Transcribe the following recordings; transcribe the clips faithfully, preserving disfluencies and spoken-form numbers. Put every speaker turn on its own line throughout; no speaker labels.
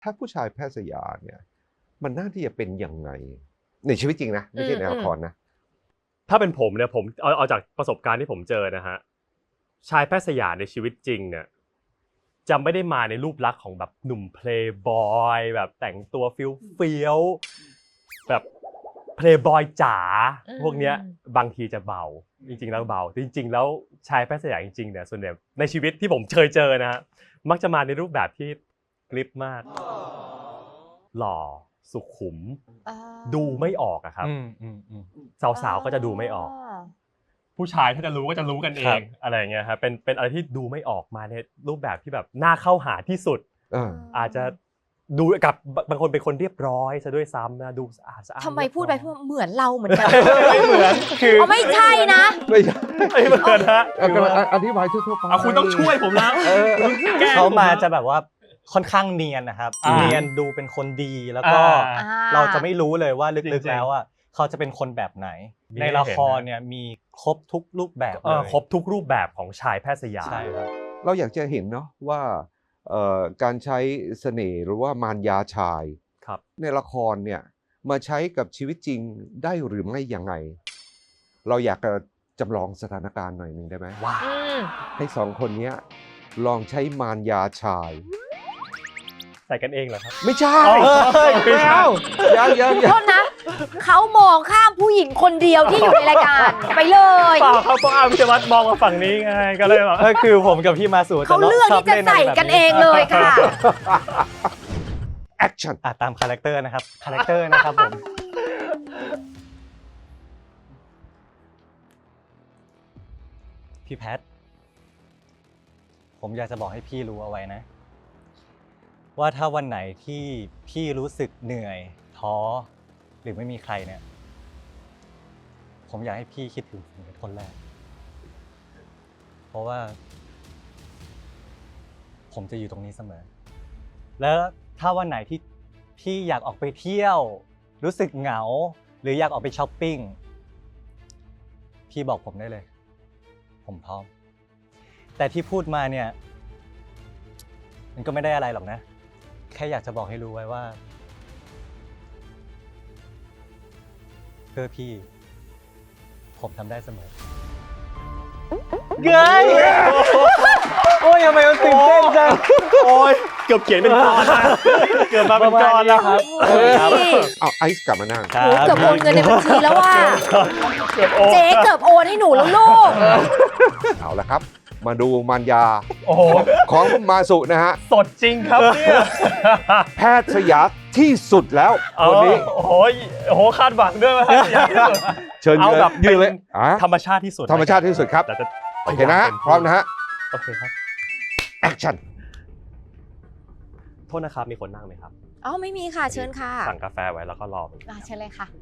ถ้าผู้ชายแพทย์สยามเนี่ยมันน่าที่จะเป็นยังไงในชีวิตจริงนะไม่ใช่ในละครนะ
ถ้าเป็นผมเนี่ยผมเอาเอาจากประสบการณ์ที่ผมเจอนะฮะชายแพทย์สยามในชีวิตจริงเนี่ยจะไม่ได้มาในรูปลักษณ์ของแบบหนุ่มเพลย์บอยแบบแต่งตัวฟิลเฟี้ยวแบบเพลย์บอยจ๋าพวกเนี้ยบางทีจะเบาจริงๆแล้วเบาจริงๆแล้วชายแพทย์สยามจริงๆเนี่ยส่วนใหญ่ในชีวิตที่ผมเคยเจอนะฮะมักจะมาในรูปแบบที่กริปมากหล่อสุขุมดูไม่ออกอะครับสาวๆก็จะดูไม่ออกผู้ชายถ้าจะรู้ก็จะรู้กันเองอะไรอย่างเงี้ยครับเป็นเป็นอะไรที่ดูไม่ออกมาในรูปแบบที่แบบน่าเข้าหาที่สุดอาจจะดูกับบางคนเป็นคนเรียบร้อยซะด้วยซ้ำนะดูสะอาดสะอาด
ทำไมพูดไปพูดเหมือนเราเหมือนกัน
ไม่เหมือนคือ
ไม่ใช่นะ
ไม่ใช่
ไม่เหมือนฮะ
อธิบายทั่วๆไป
คุณต้องช่วยผมแล้ว
เขามาจะแบบว่าค่อนข้างเนียนนะครับเนียนดูเป็นคนดีแล้วก็เราจะไม่รู้เลยว่าลึกๆแล้วอ่ะเขาจะเป็นคนแบบไหนในละครเนี่ยมีครบทุกรูปแบบเลย
ครบทุกรูปแบบของชายแพทย์สยาม
ใช่ครับ
เราอยากจะเห็นเนาะว่าการใช้เสน่ห์หรือว่ามารยาชายในละครเนี่ยมาใช้กับชีวิตจริงได้หรือไม่ยังไงเราอยากจะจำลองสถานการณ์หน่อยหนึ่งได้ไหมว่าให้สองคนนี้ลองใช้มารยาชาย
ใส่กันเองเหรอครับ
ไม่ใช่ไม่เอายังยัง
โทษนะเขามองข้ามผู้หญิงคนเดียวที่อยู่ในรายการไปเลย
เปล่าเขาต้องเอาพิชวัตรมองมาฝั่งนี้ไงก็เลยแบบ
คือผมกับพี่มาสู่
เขาเลือกที่จะใส่กันเองเลยค่ะ
แอคชั่น
ตามคาแรคเตอร์นะครับคาแรคเตอร์นะครับผมพี่แพทผมอยากจะบอกให้พี่รู้เอาไว้นะว่าถ้าวันไหนที่พี่รู้สึกเหนื่อยท้อหรือไม่มีใครเนี่ยผมอยากให้พี่คิดถึงผมเป็นคนแรกเพราะว่าผมจะอยู่ตรงนี้เสมอแล้วถ้าวันไหนที่พี่อยากออกไปเที่ยวรู้สึกเหงาหรืออยากออกไปช้อปปิ้งพี่บอกผมได้เลยผมพร้อมแต่ที่พูดมาเนี่ยมันก็ไม่ได้อะไรหรอกนะแค่อยากจะบอกให้รู้ไว้ว่าเพื่อพี่ผมทำได้เสมอ
เย้ย
โอ้ยทำไมมันตื่นเต้นจัง
โอ้ยเกือบเขียนเป็นกรนะเกือบมาเป็นกรแล้วครับ
เอาไอซ์กลับมานั่ง
เกือบโอนเงินในบัญชีแล้วว่าเจ๊เกือบโอนให้หนูแล้วลูก
เอาละครับมาดูมารยาของมาสุนะฮะ
สดจริงครับเนี่ย
แพทย์สยามที่สุดแล้วคนนี้
โอ้โหโอ้โหคาดหวังด้วยว่า
เชิญเอาแบบยืนเลย
ธรรมชาติที่สุด
ธรรมชาติที่สุดครับโอเคนะพร้อมนะฮะ
โอเคครับ
แอคชั่น
โทษนะครับมีคนนั่งไหมครับ
อ๋อไม่มีค่ะเชิญค่ะ
สั่งกาแฟไว้แล้วก็รอ
อ่าเชิญเลยค่ะ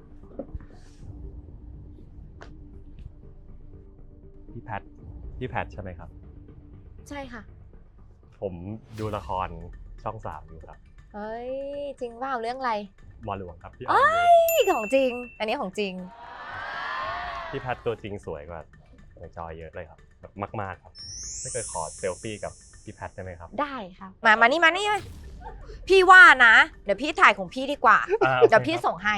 พี่แพทพี่แพทใช่ไหมครับ
ใช่ค่ะ
ผมดูละครช่องสามอยู่ครับ
เฮ้ยจริงเปล่าเรื่องอะไร
หมอหลวงครับพี่
อ้อยของจริงอันนี้ของจริง
พี่แพทตัวจริงสวยกว่าในจอเยอะเลยครับแบบมากๆครับไม่เคยขอเซลฟี่กับพี่แพทได้ไหมครับ
ได้ค่ะมามานี่มานี่พี่ว่านะเดี๋ยวพี่ถ่ายของพี่ดีกว่าเดี๋ยวพี่ส่งให้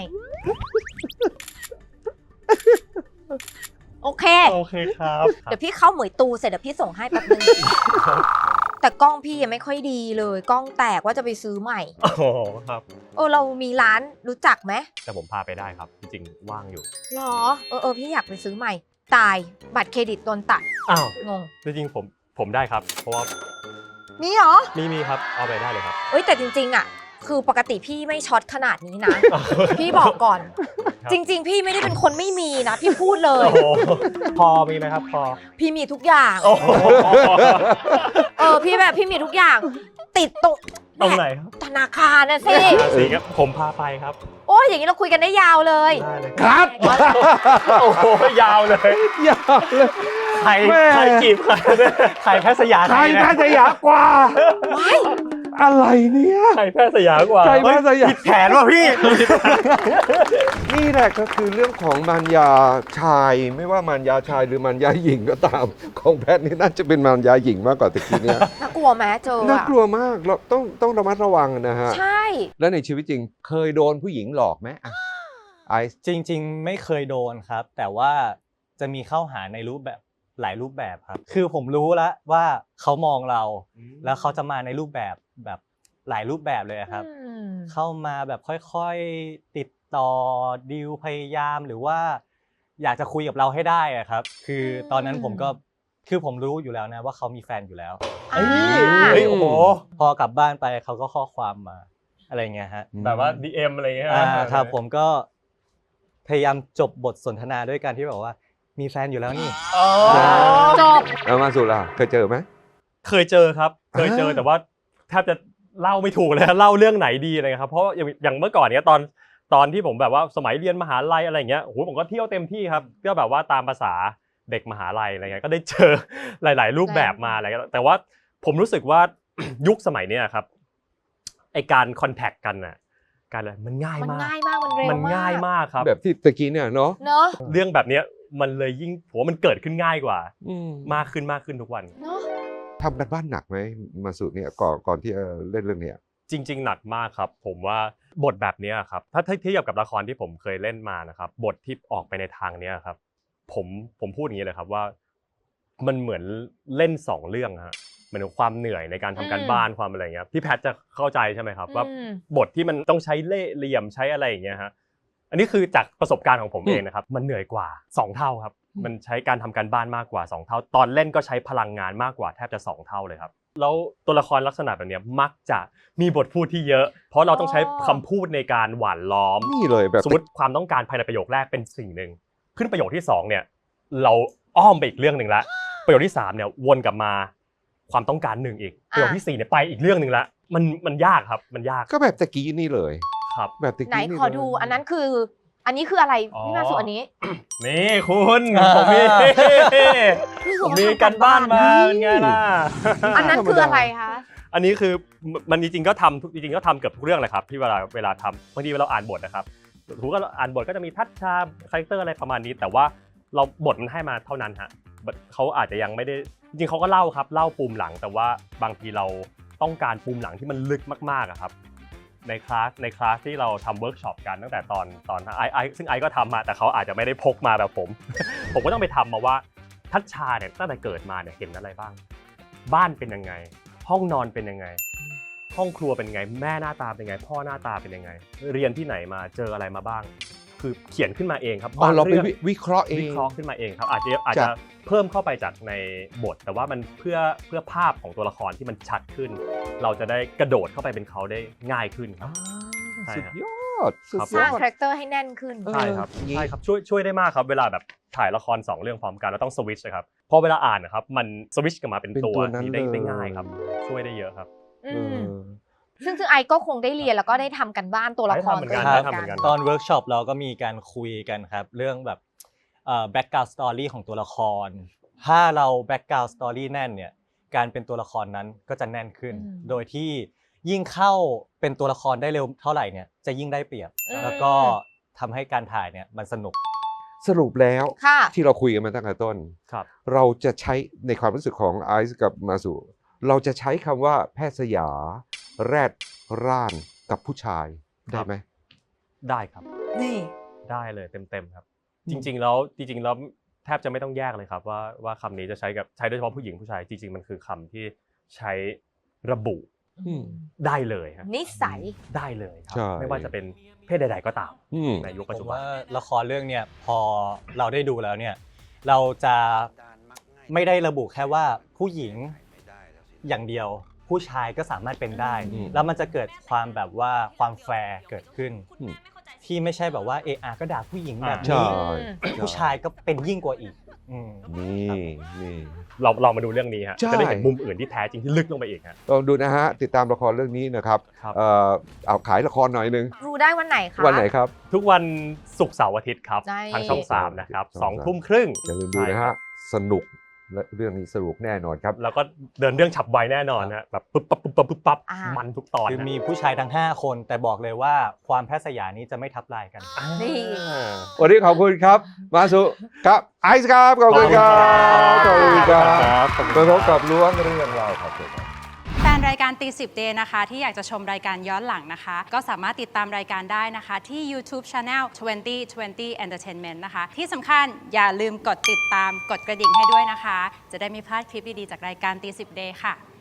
โอเค
โอเคครับ
เดี๋ยวพี่เข้าเหมยตูเสร็จเดี๋ยวพี่ส่งให้แป๊บนึงแต่กล้องพี่ยังไม่ค่อยดีเลยกล้องแตกว่าจะไปซื้อใหม่
โอ้ครับ
เออเรามีร้านรู้จักไหม
แต่ผมพาไปได้ครับจริงๆว่างอยู่
หรอเออเออพี่อยากไปซื้อใหม่ตายบัตรเครดิตโดนตัด
อ้าว
งง
จริงๆผมผมได้ครับเพราะว่า
มีเหรอ
มีมีครับเอาไปได้เลยครับ
เอ้ยแต่จริงๆอ่ะคือปกติพี่ไม่ช็อตขนาดนี้นะพี่บอกก่อนจริงๆพี่ไม่ได้เป็นคนไม่มีนะพี่พูดเลย
พอมีไหมครับพอ
พี่มีทุกอย่างเออพี่แบบพี่มีทุกอย่างติดตรง
ตรงไหนครับ
ธนาคารนะสิ
สิครับผมพาไปครับ
โอ้ยอย่างนี้เราคุยกันได้ยาวเลย
ครับ
โอ้โหยาวเลย
ยาวเลย
ใครใครจีบใคร
ใครแพทย์สยาม
ใครแพทย์สยามกว่า
ว้าย
อะไรเนี่ย
ใครแพทย์สยามกว่า
ใครแพทย์สยาม
ผิดแผนว่ะพี่
นี่แหละก็คือเรื่องของมารยาชาย ไม่ว่ามารยาชายหรือมารยาหญิงก็ตาม ของแพทย์นี่น่าจะเป็นมารยาหญิงมากกว่าตะกี้เนี่ย
น่ากลัวไหมเจอ
น่า
อะ
กลัวมากเราต้องต้องระมัดระวังนะฮะ
ใช่
แล้วในชีวิตจริงเคยโดนผู้หญิงหลอกไหมอ่ะไอซ์
จริงๆ ไม่เคยโดนครับ แต่ว่าจะมีเข้าหาในรูปแบบหลายรูปแบบครับ คือผมรู้แล้วว่าเขามองเรา แล้วเขาจะมาในรูปแบบแบบหลายรูปแบบเลยครับ
อืม
เข้ามาแบบค่อยๆติดต่อดีลพยายามหรือว่า อยากจะคุยกับเราให้ได้อะครับ คือตอนนั้นผมก็คือผมรู้อยู่แล้วนะว่าเขามีแฟนอยู่แล้ว
เฮ้ยเฮ้ยโอ้โห
พอกลับบ้านไปเขาก็ข้อความมาอะไรเงี้ยฮะ
แบบว่า ดี เอ็ม อะไรเงี้ย
อ่าครับผมก็พยายามจบบทสนทนาด้วยการที่แบบว่ามีแฟนอยู่แล้วนี่
อ๋อ
จบ
แล้วมาสุล่ะเคยเจอไหม
เคยเจอครับ เคยเจอ
อ่า
แต่ว่าแทบจะเล่าไม่ถูกเลย เล่าเรื่องไหนดีอะไรครับ เพราะอย่างอย่างเมื่อก่อนเนี้ยตอนตอนที่ผมแบบว่าสมัยเรียนมหาลัยอะไรอย่างเงี้ยโอ้โหผมก็เที่ยวเต็มที่ครับก็แบบว่าตามภาษาเด็กมหาลัยอะไรเงี้ยก็ได้เจอ หลาย ๆ รูปแบบมาอะไรเงี้ยแต่ว่าผมรู้สึกว่า ยุคสมัยเนี้ยครับไอการคอนแทคกันน่ะการอะไรมันง่าย
มัน
มาก
ง่ายมากมันเร็ว
มันง่ายมากครับ
แบบที่ตะกี้เนี่ยเนาะ
เนอะ
เรื่องแบบเนี้ยมันเลยยิ่งผมว่ามันเกิดขึ้นง่ายกว่า
อืม
มากขึ้นมากขึ้นทุกวัน
เนอะ
ทำกันบ้านหนักไหมมาสุเนี่ยก่อนก่อนที่จะเล่นเรื่องเนี้ย
จริง ๆ หนักมากครับ ผมว่าบทแบบเนี้ยครับถ้าถ้าเทียบกับละครที่ผมเคยเล่นมานะครับบทที่ออกไปในทางเนี้ยครับผมผมพูดอย่างนี้เลยครับว่ามันเหมือนเล่นสองเรื่องฮะเหมือนความเหนื่อยในการทำการบ้านความอะไรเงี้ยพี่แพทจะเข้าใจใช่ไหมครับว่า
อืม
บทที่มันต้องใช้เล่ห์เหลี่ยมใช้อะไรอย่างเงี้ยฮะอันนี้คือจากประสบการณ์ของผมเองนะครับมันเหนื่อยกว่าสองเท่าครับมันใช้การทำการบ้านมากกว่าสองเท่าตอนเล่นก็ใช้พลังงานมากกว่าแทบจะสองเท่าเลยครับแล้วตัวละครลักษณะแบบเนี้ยมักจะมีบทพูดที่เยอะ เพราะเราต้องใช้คำพูดในการหว่านล้อม
นี่เลยแบบ
สมมติความต้องการภายในประโยคแรกเป็นสิ่งหนึ่งขึ้นประโยคที่สองเนี่ยเราอ้อมไปอีกเรื่องหนึ่งละประโยคที่สามเนี่ยวนกลับมาความต้องการหนึ่งอีกประโยคที่สี่เนี่ยไปอีกเรื่องหนึ่งละมันมันยากครับมันยาก
ก็แบบตะกี้นี่เลย
ครับ
แบบตะ
ไหน
กี้นี่
ขอดูอันนั้นคือ อันนี้คืออะไร
อ๋อ
พี่มาสุอันนี้
นี่คุณผมมีผมมีกันบ้านมาเป็นไงล่ะ
อันนั้นคืออะไรคะ
อันนี้คือมันจริงๆก็ทำทุกจริงๆก็ทำเกือบทุกเรื่องเลยครับที่เวลาเวลาทำบางทีเราอ่านบทนะครับถูกก็อ่านบทก็จะมีทัชชาคาแรคเตอร์อะไรประมาณนี้ แต่ว่าเราบทมันให้มาเท่านั้นฮะเขาอาจจะยังไม่ได้จริงๆเขาก็เล่าครับเล่าปูมหลังแต่ว่าบางทีเราต้องการปูมหลังที่มันลึกมากๆอะครับในคลาสในคลาสที่เราทำเวิร์กช็อปกันตั้งแต่ตอนตอนไอไอซึ่งไอก็ทำมาแต่เขาอาจจะไม่ได้พกมาแบบผม ผมก็ต้องไปทำมาว่าทัชชาเนี่ยตั้งแต่เกิดมาเนี่ยเห็นอะไรบ้างบ้านเป็นยังไงห้องนอนเป็นยังไงห้องครัวเป็นยังไงแม่หน้าตาเป็นยังไงพ่อหน้าตาเป็นยังไงเรียนที่ไหนมาเจออะไรมาบ้าง คือเขียนขึ้นมาเองครับ
อ๋อเราไป
ง
วิวิเคราะห์เอง
วิเคราะห์ขึ้นมาเองครับอาจจะอาจ
จา
จะ
ก
เพิ่มเข้าไปจากในบท แต่ว่ามันเพื่อเพื่อภาพของตัวละครที่มันชัดขึ้น เราจะได้กระโดดเข้าไปเป็นเขาได้ง่ายขึ้นครับ ใช่
สุด
ฮะ
ยอดสุด
ครับ
ส
ย
ร้า
อง ด
คาแรคเตอร์ให้แน่นขึ้น
เออ
ใช่ครับ
อย่างงี้
ใช่ครับช่วยช่วยได้มากครับเวลาแบบถ่ายละครสองเรื่องพร้อมกันเราต้องสวิตช์นะครับพอเวลาอ่านนะครับมันสวิตช์กลับมาเป็น
เป็น
ตัว
ตัวนั้น
นี้ได้
เลย
ได้ง่ายครับ ช่วยได้เยอะครับ
อื
เอ
ม
อ
ซึ่งซึ่งไอก็คงได้เรียนแล้วก็ได้ทำกันบ้านตัวละคร
ได้ทำเหมือนกัน
ตัว
ได้
เอง
ทำเหมือนกัน
ตอนเวิร์กช็อปเราก็มีการคุยกันครับเรื่องแบบเอ่อแบ็กกราวด์สตอรี่ของตัวละครถ้าเราแบ็กกราวด์สตอรี่แน่นเนี่ยการเป็นตัวละครนั้นก็จะแน่นขึ้น
อืม
โดยที่ยิ่งเข้าเป็นตัวละครได้เร็วเท่าไหร่เนี่ยจะยิ่งได้เปรียบ
อืม
แล้วก็ทำให้การถ่ายเนี่ยมันสนุก
สรุปแล้ว
ค่ะ
ที่เราคุยกันมาตั้งแต่ต้น
ครับ
เราจะใช้ในความรู้สึกของไอซ์กับมาสุเราจะใช้คำว่าแพทย์สยา แรดร่านกับผู้ชายได้ไหม
ได้ครับ
นี่
ได้เลยเต็มๆครับ
อืม
จริง ๆ แล้วจริง ๆ แล้วแทบจะไม่ต้องแยกเลยครับว่าว่าคำนี้จะใช้กับใช้โดยเฉพาะผู้หญิงผู้ชายจริง ๆ มันคือคำที่ใช้ระบุ
อืม
ได้เลยฮะ
นิสัย
ได้เลยครั
ใช่
ไม่ว่าจะเป็นเพศใด ๆ ก็ตาม
อืม
ในยุค
ผ
ปัจจุ
ม
บัน
ว่าละครเรื่องเนี่ยพอเราได้ดูแล้วเนี่ยเราจะไม่ได้ระบุแค่ว่าผู้หญิงอย่างเดียวผู้ชายก็สามารถเป็นได้
อืม
แล้วมันจะเกิดความแบบว่าความแฟร์เกิดขึ้น
อืม
ที่ไม่ใช่แบบว่าเออาก็ด่าผู้หญิงแบบ
ใช่
นี้ผู้ชายก็เป็นยิ่งกว่าอีกอืม
นี่นี่
เราเรามาดูเรื่องนี้ฮะ
ใช่
จะได้เห็นมุมอื่นที่แท้จริงที่ลึกลงไปอีกฮะ
ลองดูนะฮะ ติดตามละครเรื่องนี้นะครับ
ครับ
เอ่อเอาขายละครหน่อยหนึง
รู้ได้วันไหนคะ
วันไหนครับ
ทุกวันศุกร์เสาร์อาทิตย์ครับ
ใช่
ทางช่องสามนะครับ
ช่อง
สอง
สาม
ทุ่มครึ่ง
อย่าลืมดูนะฮะ สนุกเรื่องนี้สรุปแน่นอนครับ
แล้วก็เดินเรื่องฉับไวแน่นอนฮะแบบปุ๊บปั๊บปุ๊บปั๊บปุ๊บปั๊บ
อ่ามั
มันทุกตอน
คือ
นะ
มีผู้ชายทั้งห้าคนแต่บอกเลยว่าความแพทย์สยามนี้จะไม่ทับลายกัน
นี่
วันนี้ขอบคุณครับ มาสุครับไอซ์ครับขอบคุณครับขอบคุณครับมาพบกับล้วงเรื่องเราครับ
แฟนรายการตีสิบเดย์นะคะที่อยากจะชมรายการย้อนหลังนะคะ ก็สามารถติดตามรายการได้นะคะที่ YouTube Channel ยี่สิบ ยี่สิบ Entertainment นะคะ ที่สำคัญอย่าลืมกดติดตามกดกระดิ่งให้ด้วยนะคะ จะได้ไม่พลาดคลิปดี ๆ จากรายการตีสิบเดย์ค่ะ